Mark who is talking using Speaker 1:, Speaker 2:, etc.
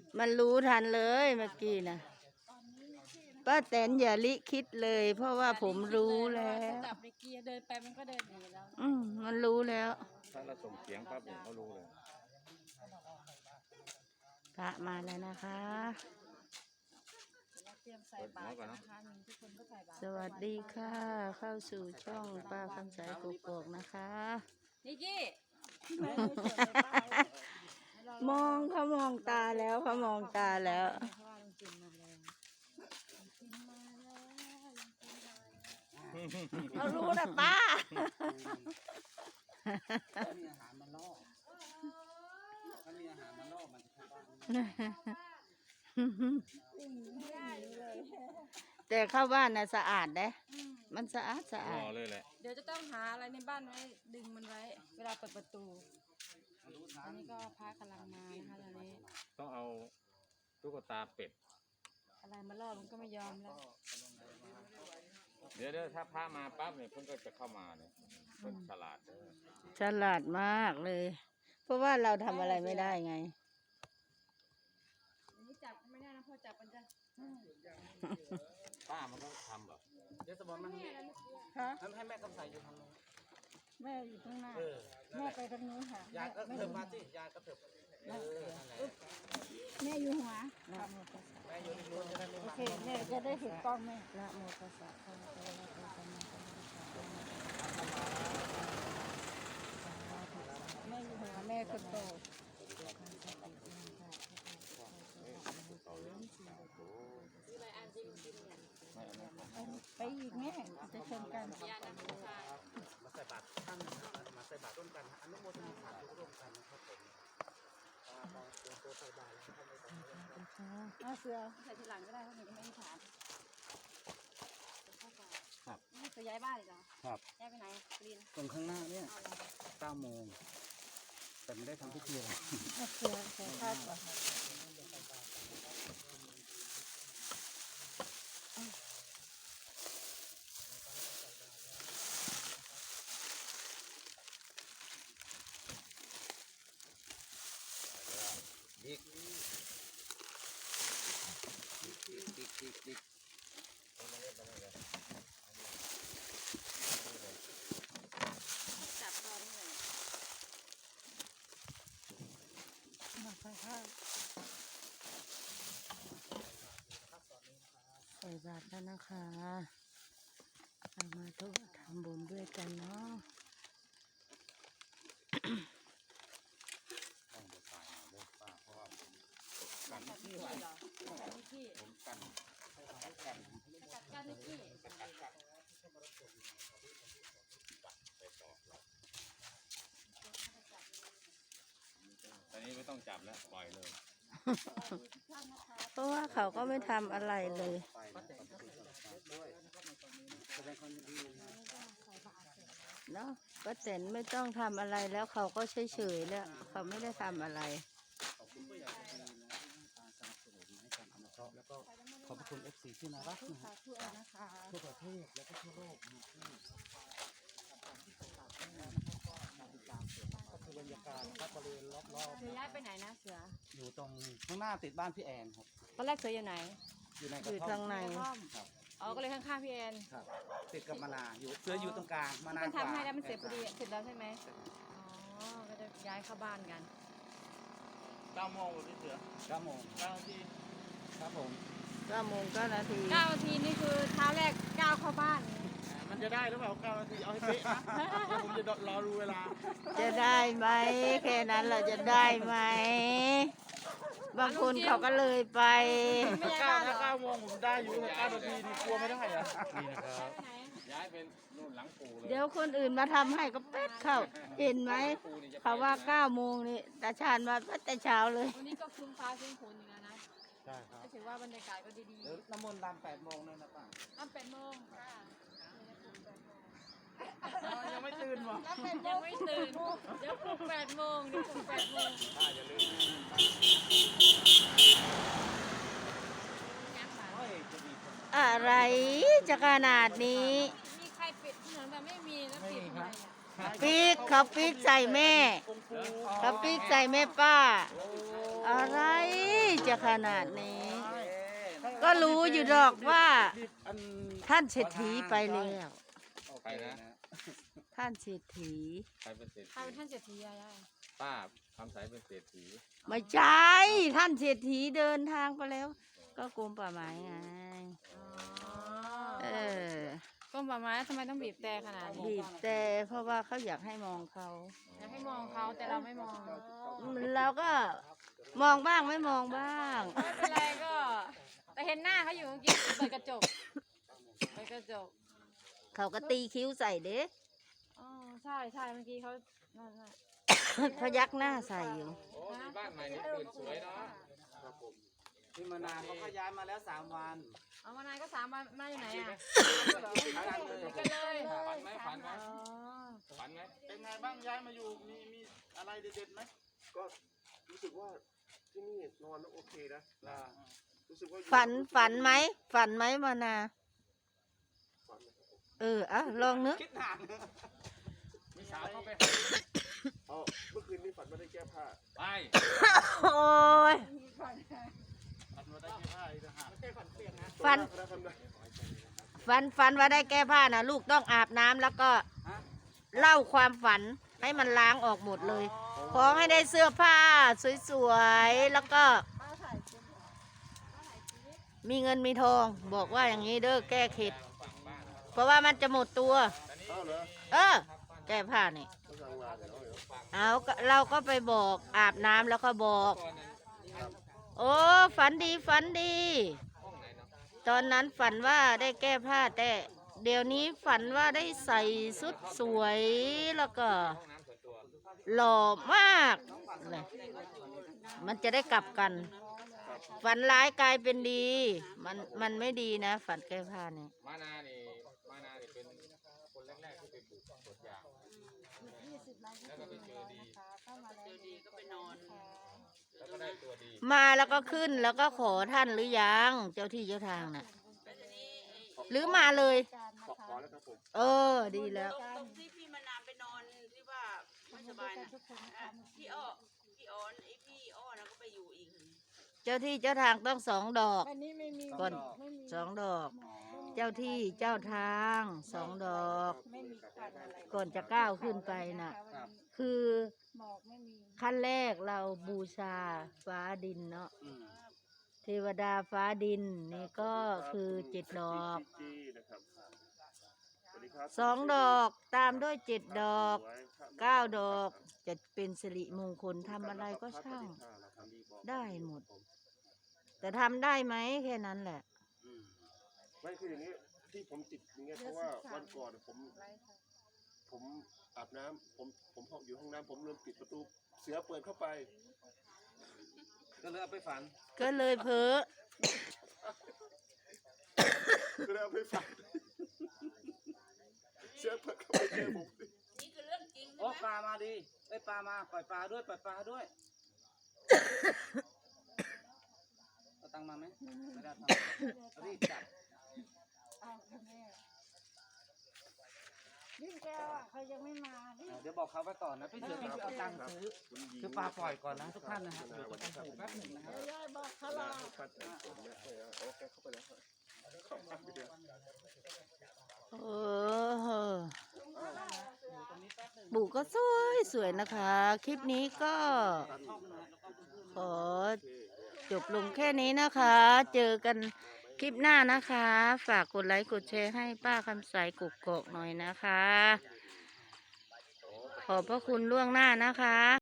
Speaker 1: มันรู้ทันเลยเมื่อกี้นะป้าแตนอย่าลิคิดเลย เพราะว่าผมรู้แล้ว
Speaker 2: จับในเกียร์เดินไปมันก็เดินหนีแล้ว
Speaker 1: มันรู้แล้ว
Speaker 3: ถ้าเราส่งเสียงปั๊บเนี่ยเขารู้เลย
Speaker 1: พระมาแล้วนะคะ
Speaker 2: เตรียมใส่บาตรนะคะทุกคนก็ใส่บาตร
Speaker 1: สวัสดีค่ะ เข้าสู่ช่องป้าคำสายกกอกนะคะ
Speaker 2: นิกกี้
Speaker 1: มองเขามองตาแล้วเขามองตาแล้ว เขารู้นะป้า
Speaker 4: มีอาหารมาล่อถ้ามีอาหารมาล่อมันจะเข้าบ้าน
Speaker 1: แต่เข้าบ้านน่ะสะอาดเด้มันสะอาด
Speaker 3: ร
Speaker 1: สะอา
Speaker 3: อ
Speaker 1: ด
Speaker 3: เลยแหละ
Speaker 2: เดี๋ยวจะต้องหาอะไรในบ้านไว้ดึงมันไว้ เวลาเปิดประตูอันนี้ก็พระกำลังมานะคะตอนนี้
Speaker 3: ต้องเอาตุ๊กตาเป็ด
Speaker 2: อะไรมาล่อมันก็ไม่ยอมแล้ว
Speaker 3: เดี๋ยวถ้าพระมาปั๊บเนี่ยเพิ่นก็จะเข้ามาเนี่ยเพิ่นฉลาดเด้อ
Speaker 1: ฉลาดมากเลย เพราะว่าเราทำอะไรไม่ได้ไง
Speaker 2: อันนี้จับไม่ได้นะพ่อจับมันจะ
Speaker 3: ป้ามันก็ทำแบบ
Speaker 4: เดี๋ยวสมอนมัน
Speaker 1: ฮะ
Speaker 4: ให้แม่กำใสอยู่ทางโน้น
Speaker 1: แม่อยู่ข้างหน้า
Speaker 4: นั่น
Speaker 1: แม่
Speaker 4: แหละ
Speaker 1: ไปทางนู้นค่ะ
Speaker 4: ยายก็เถิบมาสิยายก็เถิบนั่นแหละ
Speaker 1: แม่อยู่หัว
Speaker 4: แม่อยู่ในนู้นจะได้ไม่
Speaker 1: โอ
Speaker 4: มา
Speaker 1: เคแม่จะได้เห็นกล้องแม่ละโมตัสสะภะคะวะโตสัมมาสัมพุทธัสสะแม่อยู่หัวแม่คนโตไปอีกแม่จะชนกัน
Speaker 4: มาใส่บาตรท่านนะครับมาใส่บาตรร่วมกันอนุโมทนาสาธุร่วมกันนะครับผมตอนเตรียมตัวใส่บาตรแล้วท่านไม่ต้อง
Speaker 1: เสือ
Speaker 2: ใส่ทีหลังก็ได้เพราะหนูก็ไม่ได้ถาม
Speaker 4: ครับ
Speaker 2: นี่จะย้ายบ้านอีกเหรอ
Speaker 4: ครับ
Speaker 2: ย้ายไปไหนลิน
Speaker 4: ตรงข้างหน้าเนี่ย9 โมงแต่ไม่ได้ทำพิธีอะไร
Speaker 1: เสือคาดก่อน
Speaker 4: ดิกดิก
Speaker 2: จับตอนนี้เลย
Speaker 1: มาใส่ข้าวใส่บาตรแล้วนะคะเอามาทุกทำบุญด้วยกันเนาะ
Speaker 4: ต้องไปถ่ายหน่อยเด้อป้าเพราะว่าผมกัน
Speaker 2: จับนิกกี้เหรอจับนิกกี้
Speaker 4: ผมกัน
Speaker 2: จับกันนิกกี้
Speaker 3: ตอนนี้ไม่ต้องจับแล้วปล่อยเลย
Speaker 1: เพราะว่าเขาก็ไม่ทำอะไรเลย
Speaker 4: ไปด้วยแสดงความยินดีนะ
Speaker 1: เนาะป้าแตนไม่ต้องทำอะไรแล้วเขาก็เฉยๆแล้วเขาไม่ได้ทำอะไร
Speaker 4: ขอบคุณผู้ใหญ่ใจดีนะที่ให้การสนับสนุนให้การอนุเคราะห์แล้วก็ขอบพระคุณ FC ที่น่ารักนะฮะทั่วประเทศแล้วก็ทั่วโลกนะที่ก็คือบรรยากาศนะครับบริเวณรอบ
Speaker 2: เสือย้ายไปไหนนะเสือ
Speaker 4: ๆอยู่ตรงข้างหน้าติดบ้านพี่แอนครับ
Speaker 2: ตอนแรกเสืออยู่ไหน
Speaker 4: อยู่ในก
Speaker 1: อ
Speaker 4: ระ
Speaker 1: ยู่
Speaker 4: ท่อ
Speaker 1: ทาม งใน
Speaker 4: ครับ
Speaker 2: อ๋อก็เลยข้างๆพี่แอน
Speaker 4: ครับติดกับมะนาวอยู่เสืออยู่ตรงกลางมะนาว
Speaker 2: มัน
Speaker 4: กว่า
Speaker 2: ทำให้แล้วมันเสร็จพอดีเสร็จแล้วใช่ไหมอ๋อก็จะย้ายเข้าบ้านกัน
Speaker 5: 9 โมงพี่เสือ
Speaker 4: 9 โมง
Speaker 5: 9 นาที
Speaker 4: ครับผม
Speaker 1: 9 โมง 9 นาที
Speaker 2: 9 นาทีนี่คือเช้าแรกก้าวเข้าบ้าน
Speaker 5: มันจะได้หรือเปล่า 9 นาที เอาให้เป๊ะนะเดี๋ยวผมจะรอดูเวลา
Speaker 1: จะได้ไหมแค่นั้นเราจะได้ไหมบางคนเขาก็เลยไป
Speaker 2: ไม่ย้ายบ้านเหรอ
Speaker 5: ถ้า 9 โมงผมได้อยู่แต่9 นาทีนี่กลัวไม่ได้อะนี่นะครับ
Speaker 2: ไปไหน
Speaker 3: ย้ายเป็นนู่นหลังปู่เลย
Speaker 1: เดี๋ยวคนอื่นมาทำให้ก็เป็ดเข้า เห็นไหมเขาว่า 9 โมงนี่ตาชาญมาตั้งแต่เช้าเลย
Speaker 2: วันนี้ก็ครึ้มฟ้าครึ้มฝนอยู่แล้วนะ
Speaker 4: ใช่ครับ
Speaker 2: ก็ถือว่าบรรยากาศก็ดี
Speaker 4: เดี๋ยวน้ำมนต์รำ8 โมงเลยนะป้า
Speaker 2: ๆน้ำ8 โมงค่ะ
Speaker 5: ยังไม่ตื่นวะ
Speaker 2: ยังไม่ตื่น เดี๋ยวปลุก8 โมงเดี๋ยวปลุก8 โมง
Speaker 3: ป้าอย่าลืมนะ
Speaker 2: ยังค่ะ
Speaker 4: โอ้ยจะมีคน
Speaker 1: อะไรจะขนาดนี้
Speaker 2: มีใครปิดถนนแบบไม่มีแล้วปิดทำไมอ่ะ
Speaker 1: ปีกเขาปีกใส่แม่
Speaker 5: กงฟู
Speaker 1: เขาปีกใส่แม่ป้า อะไรจจะขนาดนี้ ก็รู้อยู่ดอกว่า
Speaker 5: อัน
Speaker 1: ท่านเศรษฐีไปแล้ว
Speaker 3: ใครนะ
Speaker 1: ท่านเศรษฐี
Speaker 3: ใครเป็นเศรษ
Speaker 2: ใคร
Speaker 3: ฐี
Speaker 2: เป็นท่านเศรษฐียายา
Speaker 3: ป้าคำใสเป็นเศรษฐี
Speaker 1: ไม่ใช่ท่านเศรษฐีเดินทางไปแล้ว ก็กรมป่าไม้ไง เออก
Speaker 2: รมป่าไม้ทำไมต้องบีบแต่ขนาดนี้
Speaker 1: บีบแต่เพราะว่าเขาอยากให้มองเขา
Speaker 2: อยากให้มองเขาแต่เราไม่มอง
Speaker 1: เราก็มองบ้างไม่มองบ้าง
Speaker 2: ไม่เป็นไรก็ แต่เห็นหน้าเขาอยู่เมื่อกี้เปิดกระจกเปิดกระจก
Speaker 1: เขาก็ตีคิ้วใส่เด้
Speaker 2: อ๋อใช่ใช่เมื่อกี้เขานั่นน่ะ
Speaker 1: พยักหน้าใส่อยู่
Speaker 3: โอ้มีบ้านใหม่นี่ตื่นสวยเนาะ
Speaker 4: พี่มานาวเขาก็ย้ายมาแล้ว3 วัน
Speaker 2: เอามานายก็3 วันมาอยู่ไหนอ่ะ
Speaker 4: กันเลย
Speaker 2: กันเลย
Speaker 3: ฝันไหมฝันไหม
Speaker 2: อ๋อ
Speaker 3: ฝันไหม
Speaker 5: เป็นไงบ้างย้ายมาอยู่มีอะไรเด็ดๆไหม
Speaker 6: ก็รู้สึกว่าที่นี่นอนแล้วโอเคนะรู้สึกว่าอยู่
Speaker 1: ฝันไหมฝันไหมมานา
Speaker 6: ฝันนะครับ
Speaker 1: ลองนึก
Speaker 4: คิดนาน
Speaker 3: มีสาวเข้าไป
Speaker 6: อ๋อเมื่อคืนนี้ฝันว่าได้แก้ผ้า
Speaker 3: ไป
Speaker 1: โอ้ย
Speaker 5: ฝันว่าได้แค่ผ้าอีกต่างหาก
Speaker 1: ฝัน
Speaker 6: คณะทำได้
Speaker 1: ฝันว่าได้แก้ผ้านะลูกต้องอาบน้ำแล้วก็เล่าความฝันให้มันล้างออกหมดเลย ขอให้ได้เสื้อผ้าสวยๆแล้วก็ มีเงินมีทอง บอกว่าอย่างนี้เด้อแก้เข็ดเพราะว่ามันจะหมดตัว
Speaker 6: อ้าวเหรอ
Speaker 1: แก้ผ้านี่
Speaker 6: ก็ทางลานเหรอ
Speaker 1: เอาก็เราก็ไปบอกอาบน้ำแล้วก็บอก โอ้ฝันดีฝันดี ตอนนั้นฝันว่าได้แก้ผ้าแต่เดี๋ยวนี้ฝันว่าได้ใส่ชุดสวยแล้วก็หล่อมากเลยมันจะได้กลับกัน ฝันร้ายกลายเป็นดี มันไม่ดีนะ ฝันแก้ผ้านี่
Speaker 3: มานานี่เป็นคนแรกๆที่ไปปลูกสวนยางแล้วก็ไปเจอดีก็ไปนอนแล้วก็ได้ตัวดี
Speaker 1: มาแล้วก็ขึ้นแล้วก็ขอท่านหรือยังเจ้าที่เจ้าทางน่ะหรือมาเลย
Speaker 6: ขอแล้วครับผม
Speaker 1: ดีแล้ว
Speaker 7: ตรงที่พี่มานาวไปนอนที่ว่าไม่สบายนะพี่อ้อไอพี่อ้อนะก็ไปอยู่อีก
Speaker 1: เจ้าที่เจ้าทางต้อง2 ดอก
Speaker 2: อันนี้ไม่มี
Speaker 1: ก่อน2 ดอก เจ้าที่เจ้าทาง2 ดอก
Speaker 2: ไม่มีควันอะไร
Speaker 1: ก่อนจะก้าวขึ้นไปน่ะ คือ
Speaker 2: หมอกไม่มี
Speaker 1: ขั้นแรกเราบูชาฟ้าดินเนาะเทวดาฟ้าดินนี่ก็คือ7 ดอก
Speaker 6: จีนะครับสวัสดีครับ
Speaker 1: 2 ดอกตามด้วย7 ดอก 9 ดอกจะเป็นสิริมงคลทำอะไรก็ช่างได้หมด แต่ทำได้ไหมแค่นั้นแหละ
Speaker 6: ไม่คืออย่างนี้ที่ผมติดอย่างเงี้ยเพราะว่าวันก่อนผมอาบน้ำผมอยู่ห้องน้ำผมลืมปิดประตูเสือเปิดเข้าไป
Speaker 4: ก็เลยเอาไปฝัน
Speaker 1: ก็เลยเพ้อ
Speaker 6: ก็เลยเอาไปฝันเสือเปิดเข้าไปเจอผม
Speaker 7: นี่คือเรื่องจริง
Speaker 4: โอ้ปลามาดีไอยปลามาปล่อยปลาด้วยปล่อยปลาด้วยเอาตังค์มาไหมไม่ได้ทำรีบจับ
Speaker 2: ยิ่งแก้วอ่ะเขายังไม่มา
Speaker 4: เดี๋ยวบอกเขาไปก่อนนะพี่เสือพี่เอาตังค์ซื้อคือปลาปล่อยก่อนนะทุกท่านนะฮะเดี๋ยวจะต้องถูกแป๊บหนึ่งนะครับ
Speaker 2: บอกเขารอ
Speaker 6: โอเคเข้าไปแล้วเข้ามาไปเดี๋ยว
Speaker 1: บุก็สวยนะคะ คลิปนี้ก็ขอจบลงแค่นี้นะคะ เจอกันคลิปหน้านะคะ ฝากกดไลค์กดแชร์ให้ป้าคำใสกุกกอกหน่อยนะคะ ขอบพระคุณล่วงหน้านะคะ